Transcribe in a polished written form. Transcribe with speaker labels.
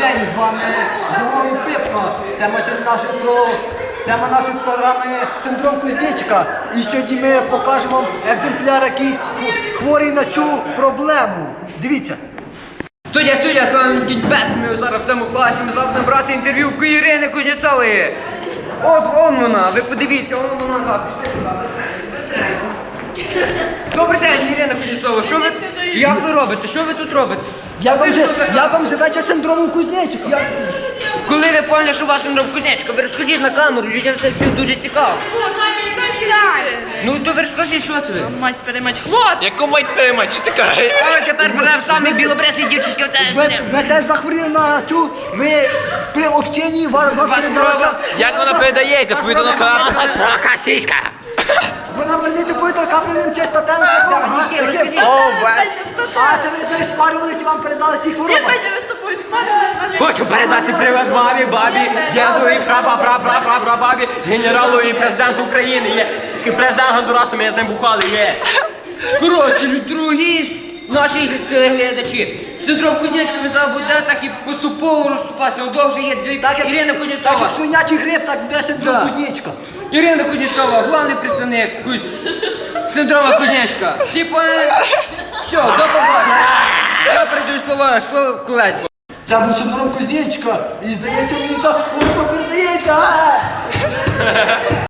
Speaker 1: день, з вами Зимовий Пипка. Тема нашої програми синдром Кузнечика. І сьогодні ми покажемо вам екземпляр, який хворий на цю проблему. Дивіться.
Speaker 2: Студія, з вами Дідь Бес, ми зараз в цьому класі, ми завтра брати інтерв'ю в Ірини Кузнєцової. От вон вона, ви подивіться, вон вона, пішли туди, Добрий день, Ірина Кузнєцова, як ви робите, що ви тут робите?
Speaker 1: Як вам живеться синдромом Кузнечика?
Speaker 2: Коли ви поняли, що у вас синдром Кузнечика, ви розкажіть на камеру, людям це все дуже цікаво. Ну то ви розкажіть, що це ви?
Speaker 3: Мать перемать, хлоп!
Speaker 4: Яку мать перемать, що ти кажеш?
Speaker 2: А ви тепер беремо самі білобресні дівчинки, оце все.
Speaker 1: Ви теж захворіли на цю, ви при общенні вам передається.
Speaker 4: Як вона передається? Повідано крапка.
Speaker 2: Срака, сіська!
Speaker 1: Вона передається повітря капляним чистотем. А це ви з нею спарювалися і вам передали всі хвороби.
Speaker 3: Петя, ви з тобою спали?
Speaker 2: Хочу передати привіт мамі, бабі, дяду і прапрапрапрапрабабі, генералу і президенту України. Є президент Гондурасу, ми з ним бухали, є. Коротше, дорогі наші телеглядачі, синдром Кузнечика ви зараз буде так і поступово розступатися. Довже є Ірина
Speaker 1: Так
Speaker 2: Кузнєцова.
Speaker 1: як свинячий гриб, так буде синдром
Speaker 2: Да.
Speaker 1: Кузнечика.
Speaker 2: Ірина Кузнєцова, головний представник синдрома Кузнечика. Всі поняли? Все, до побачення. Я передаю слово колеську.
Speaker 1: Це був синдром Кузнечика. І здається, мені ця хвороба передається.